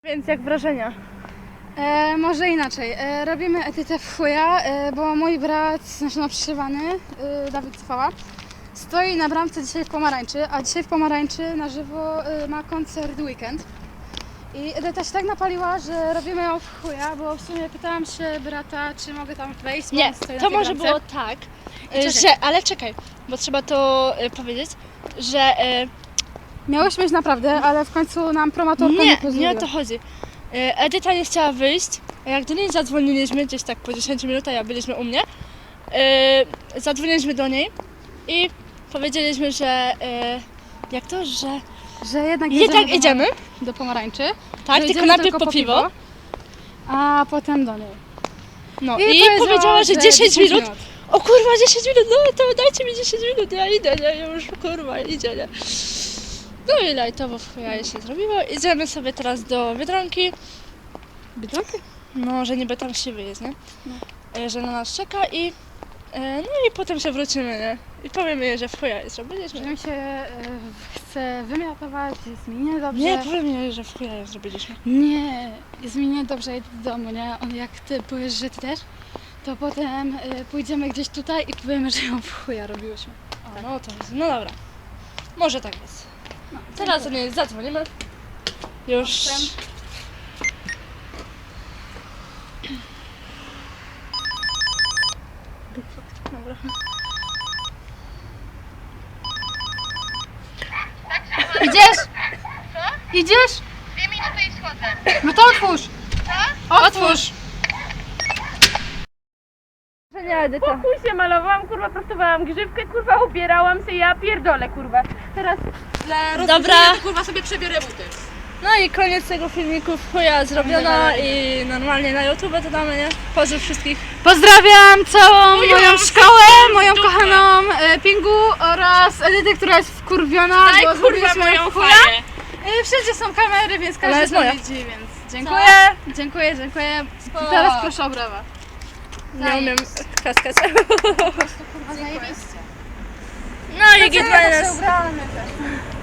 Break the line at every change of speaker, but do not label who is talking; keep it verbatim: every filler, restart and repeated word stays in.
Więc jak wrażenia?
E, może inaczej. E, robimy etytę w chuja, e, bo mój brat, znaczy no przyszywany, e, Dawid Cwała, stoi na bramce dzisiaj w Pomarańczy, a dzisiaj w Pomarańczy na żywo e, ma koncert Weekend. I Edyta się tak napaliła, że robimy ją w chuja, bo w sumie pytałam się brata, czy mogę tam wejść. bo
Nie,
on stoi na
to
tej
może
bramce.
było tak,
Czekaj.
że, ale czekaj, bo trzeba to y, powiedzieć, że y,
Miałyśmy iść naprawdę, ale w końcu nam promotorka nie
nie,
pozwoliła.
nie o to chodzi. Y, Edyta nie chciała wyjść, a jak do niej zadzwoniliśmy, gdzieś tak po dziesięciu minutach, jak byliśmy u mnie, y, zadzwoniliśmy do niej i powiedzieliśmy, że y, jak to, że
Że jednak
jednak
do-
idziemy,
do Pomarańczy.
tak,
że
tylko
idziemy
najpierw po piwo,
a potem do niej.
no
I
i,
powiedziała,
powiedziała, że
że
dziesięć minut. O kurwa, dziesięć minut, no to dajcie mi dziesięć minut, ja idę, nie, już kurwa, idzie, nie. No i lajtowo w chuja się zrobiło. Idziemy sobie teraz do Biedronki.
Biedronki?
No, że niby tam siwy jest, nie?
No.
E, Że na nas czeka i e, no i potem się wrócimy, nie? I powiemy jej, że w chuja jest zrobiliśmy.
Że mi się e, chce wymiotować, jest mi niedobrze.
Nie, powiemy jej, że w chuja ją zrobiliśmy.
Nie, jest mi niedobrze, idę do domu, nie? On jak ty powiesz, że ty też, to potem e, pójdziemy gdzieś tutaj i powiemy, że ją w chuja robiłyśmy.
O, no to jest, no dobra. Może tak jest.
No,
Teraz do niej zadzwonimy. Już. Dobra.
Idziesz? Idziesz?
Dwie minuty i schodzę.
No to otwórz!
Otwórz! Nie, Edyta.
Chuj się malowałam, kurwa, prostowałam grzywkę, kurwa, ubierałam się, ja pierdolę, kurwa. Teraz dla
Dobra.
to, kurwa, sobie przebiorę buty.
No i koniec tego filmiku w chuja zrobiona i normalnie na YouTube to damy, nie? Pozdrów wszystkich.
Pozdrawiam całą
Moją
moją szkołę, moją kochaną e, Pingu oraz Edytę, która jest wkurwiona,
Daj,
bo
kurwa,
zrobiliśmy ją
moją
w chuja.
faję.
E, Wszędzie są kamery, więc
Ona
każdy
jest
to
moja.
widzi, więc dziękuję, dziękuję, dziękuję.
Spoko.
Teraz proszę o brawa.
Nie umiem klaskać.
Kurwa, zajebiście.
No i
Ja
git
się
minus.
ubrałam, ja też.